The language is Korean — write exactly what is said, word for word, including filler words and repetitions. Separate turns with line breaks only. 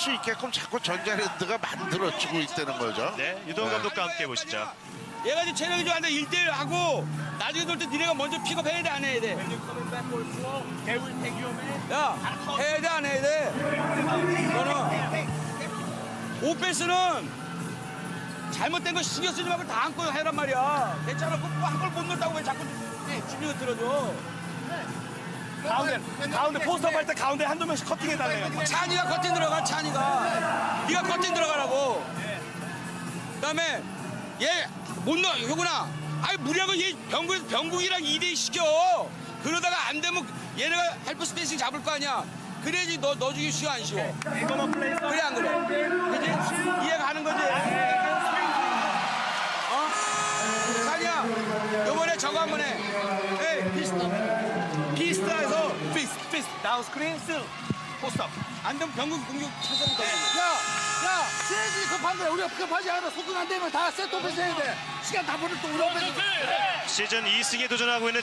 수 있게끔 자꾸 전자랜드가 만들어지고 있다는 거죠.
네, 유동 감독과 함께 보시죠.
얘가 지금 체력이 좋아하는데 일 대 일 하고 나중에 돌 때 니네가 먼저 픽업해야 돼 안 해야 돼? 야 해야 돼 안 해야 돼? 너는 오페스는 잘못된 거 신경 쓰지 말고 다 안고 해란 말이야. 괜찮아. 한걸 못 넣었다고 왜 자꾸 주민을 들어줘.
가운데 가운데 포스터 할 때 가운데 한두 명씩 커팅해 달래요.
찬이가 커팅 들어가 찬이가. 네가 커팅 들어가라고. 그다음에 얘 못 넣어 효구나. 아이 무리하고 얘 병국 병국이랑 이 대 이 시켜. 그러다가 안 되면 얘네가 헬프 스페이싱 잡을 거 아니야. 그래야지 너 넣어주기 쉬워 안 쉬워. 그래 안 그래? 그지? 이해가 가는 거지? 어? 찬이야 요번에 저거 한 번 해. 에이 피스타 피스타에서
피스 피스 다운 스크린 쓸 포스터.
안 되면 병국 공격 차선이 돼.
야, 야, 세지 급한 거야. 우리가 급하지 않아. 속도 안 되면 다 세트 오피스 해야 돼. 시간 다 보낼 또 우리 오피스.
시즌 이 승에 도전하고 있는